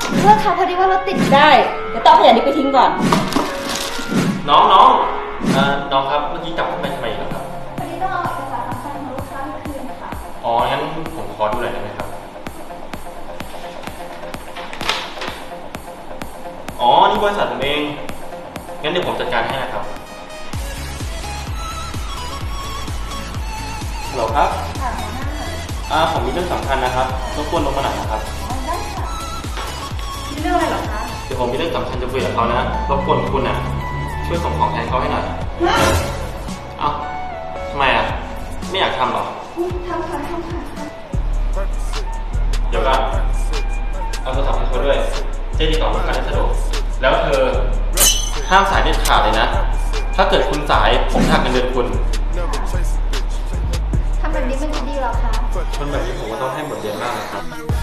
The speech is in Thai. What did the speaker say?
เพื่อนคะพอดีว่ารถติดได้เดี๋ยวต้องเอาขยะนี้ไปทิ้งก่อนน้องน้องครับเมื่อกี้กลับเข้าไปทำไมครับพอดีต้องเอาเอกสารสำคัญของลูกค้าไปคืนค่ะอ๋องั้นผมขอดูหน่อยได้ไหมครับอ๋อนี่บริษัทผมเองงั้นเดี๋ยวผมจัดการให้นะครับฮัลโหลครับค่ะหัวหน้าผมมีเรื่องสำคัญนะครับรบกวนลงมาหน่อยนะครับได้ค่ะมีเรื่องอะไรเหรอคะเดี๋ยวผมมีเรื่องสำคัญจะคุยกับเขานะรบกวนคุณช่วยส่งของแทนเขาให้หน่อยเอ้าทำไมไม่อยากทำหรอทำค่ะเดี๋ยวก่อนเอาโทรศัพท์ให้เขาด้วยจะได้ติดต่อลูกค้าได้สะดวกแล้วเธอห้ามสายเด็ดขาดเลยนะถ้าเกิดคุณสายผมหักเงินเดือนคุณทำแบบนี้มันจะดีหรอคะคนแบบนี้ผมก็ต้องให้บทเรียนมากนะครับ